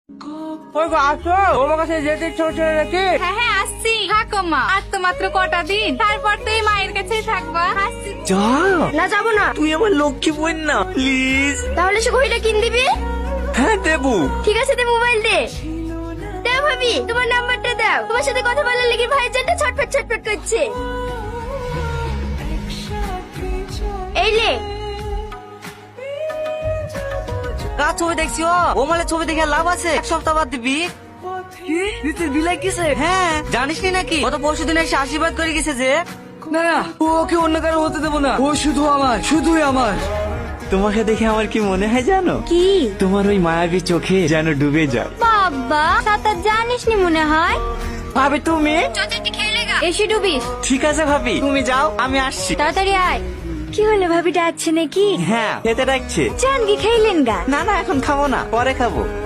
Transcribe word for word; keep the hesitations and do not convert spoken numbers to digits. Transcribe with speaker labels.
Speaker 1: ওই গো আসো, তোমার কাছে যেতে ইচ্ছে হচ্ছে নাকি?
Speaker 2: হ্যাঁ হ্যাঁ আসছি। থাকো মা, আর তো মাত্র কটা দিন, তারপর তো এই মায়ের কাছেই থাকবা। আসছি।
Speaker 3: যা,
Speaker 4: না যাবো না।
Speaker 3: তুই আমার লক্ষ্মী বোন না, প্লিজ।
Speaker 4: তাহলে সে ঘড়িটা কিন দিবি?
Speaker 3: হ্যাঁ দেবো।
Speaker 4: ঠিক আছে, দে মোবাইল দে। দাও ভাবি, তোমার নাম্বারটা দাও। তোমার সাথে কথা বলার লেগে ভাইজানটা ছটফট ছটফট করছে। এই লে।
Speaker 3: কার ছবি দেখছি? ও ও মালে ছবি দেখে লাভ আছে? এক সপ্তাহ বাদ দিবি। তুই বিলাই কিসে? হ্যাঁ, জানিস নি নাকি গত পরশু দিন এসে আশীর্বাদ করে গেছে যে।
Speaker 1: না না, ওকে অন্য কারো হতে দেবো না, ও শুধু আমার, শুধুই আমার।
Speaker 3: তোমাকে দেখে আমার কি মনে হয় জানো?
Speaker 4: কি?
Speaker 3: তোমার ওই মায়াবী চোখে যেন ডুবে যায়।
Speaker 4: বাবা, সাঁতার জানিস নি মনে হয়।
Speaker 3: ভাবি তুমি?
Speaker 4: চচাটি খেলে গা। এসে ডুবিস।
Speaker 3: ঠিক আছে ভাবি, তুমি যাও, আমি আসছি।
Speaker 4: তাড়াতাড়ি আয়। কি হলো, ভাবি ডাকছে নাকি?
Speaker 3: হ্যাঁ, খেতে ডাকছে।
Speaker 4: চান কি খাইলেন গা?
Speaker 3: না না, এখন খাবো না, পরে খাবো।